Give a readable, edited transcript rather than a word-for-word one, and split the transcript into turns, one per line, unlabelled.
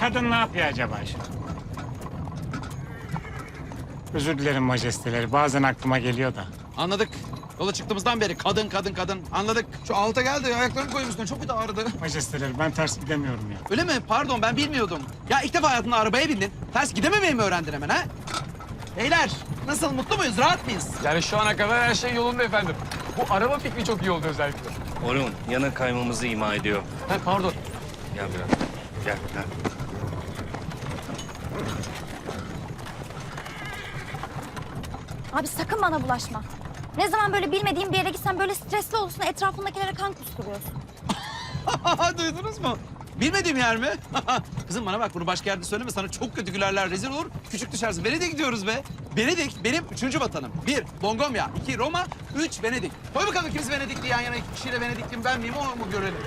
kadın ne yapıyor acaba şu an? Özür dilerim majesteleri. Bazen aklıma geliyor da.
Anladık. Yola çıktığımızdan beri kadın kadın kadın. Anladık. Şu alta geldi. Ayaklarını koyayım üstüne. Çok kötü ağrıdı.
Majesteleri ben ters gidemiyorum ya.
Öyle mi? Pardon ben bilmiyordum. Ya ilk defa hayatında arabaya bindin. Ters gidememeyi mi öğrendin hemen ha? Beyler nasıl mutlu muyuz? Rahat mıyız?
Yani şu ana kadar her şey yolunda efendim. Bu araba fikri çok iyi oldu özellikle.
Orun yana kaymamızı ima ediyor.
Ha, pardon.
Gel biraz. Gel.
Abi sakın bana bulaşma. Ne zaman böyle bilmediğim bir yere gitsen böyle stresli olursun, etrafındakilere kan kusturuyorsun.
Duydunuz mu? Bilmediğim yer mi? Kızım bana bak bunu başka yerde söyleme. Sana çok kötü gülerler, rezil olur. Küçük düşersin. Venedik'e gidiyoruz be. Venedik benim 3. vatanım. 1. Longomya. 2. Roma. 3. Venedik. Koy bakalım ikimiz Venedikli yan yana. İki kişiyle Venedikliyim ben miyim onu mu görelim?